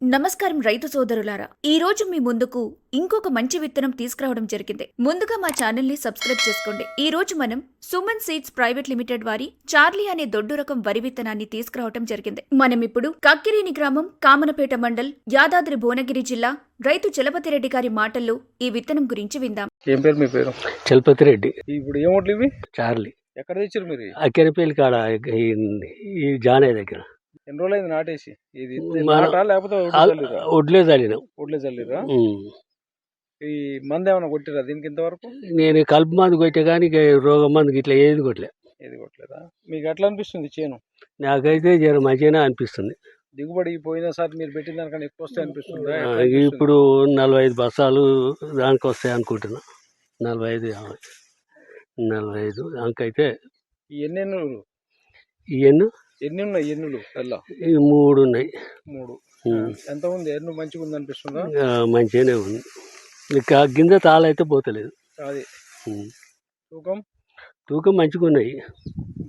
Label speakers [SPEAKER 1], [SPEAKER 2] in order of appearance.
[SPEAKER 1] నమస్కారం రైతు సోదరులారా, ఈ రోజు మీ ముందుకు ఇంకొక మంచి విత్తనం తీసుకురావడం జరిగింది. ముందుగా మా ఛానల్ ని సబ్స్క్రైబ్ చేసుకోండి. ఈ రోజు మనం సుమన్ సీడ్స్ ప్రైవేట్ లిమిటెడ్ వారి చార్లీ అనే దొడ్డు రకం వరి విత్తనాన్ని తీసుకురావడం జరిగింది. మనం ఇప్పుడు కక్కిరేని గ్రామం, కామనపేట మండల్, యాదాద్రి భువనగిరి జిల్లా రైతు చలపతిరెడ్డి గారి మాటల్లో ఈ విత్తనం గురించి విందాం.
[SPEAKER 2] ఏం పేరు మీ పేరు?
[SPEAKER 3] చలపతిరెడ్డి.
[SPEAKER 2] ఇప్పుడు ఏమోట్లు ఇవి?
[SPEAKER 3] చార్లీ.
[SPEAKER 2] ఎక్కడ తెచ్చారు మీరు?
[SPEAKER 3] అక్కెరపల్లి కాడ ఈ జానయ్య దగ్గర.
[SPEAKER 2] ఎన్ని రోజులైంది నాటేసి? ఇది నాటా లేకపోతే
[SPEAKER 3] వడ్లే చల్లిన.
[SPEAKER 2] ఒడ్లే చల్లిరా? ఈ మందు ఏమైనా కొట్టిరా దీనికి ఇంతవరకు?
[SPEAKER 3] నేను కలుపు మందు కొట్టే కానీ రోగం మందుకి ఇట్లా ఏది కొట్టలే.
[SPEAKER 2] ఏది కొట్టలేదా? మీకు ఎట్లా అనిపిస్తుంది చేను?
[SPEAKER 3] నాకైతే జర మంచిగానే అనిపిస్తుంది.
[SPEAKER 2] దిగుబడి పోయినసారి మీరు పెట్టిన దానికన్నా ఎక్కువ వస్తాయి అనిపిస్తుందా?
[SPEAKER 3] ఇప్పుడు 45 బస్తాలు దానికి వస్తాయి అనుకుంటున్నా. 45, 50, 45 దానికైతే.
[SPEAKER 2] ఈ ఎన్నెన్నులు? ఎన్ని ఉన్నాయి ఎన్నులు? తెల్ల
[SPEAKER 3] 3 ఉన్నాయి.
[SPEAKER 2] 3. ఎంత ఉంది? ఎన్ను మంచిగా ఉంది అనిపిస్తుందా?
[SPEAKER 3] మంచిగానే ఉంది. ఇక గింజ తాళైతే పోతలేదు.
[SPEAKER 2] అది తూకం
[SPEAKER 3] మంచిగా ఉన్నాయి.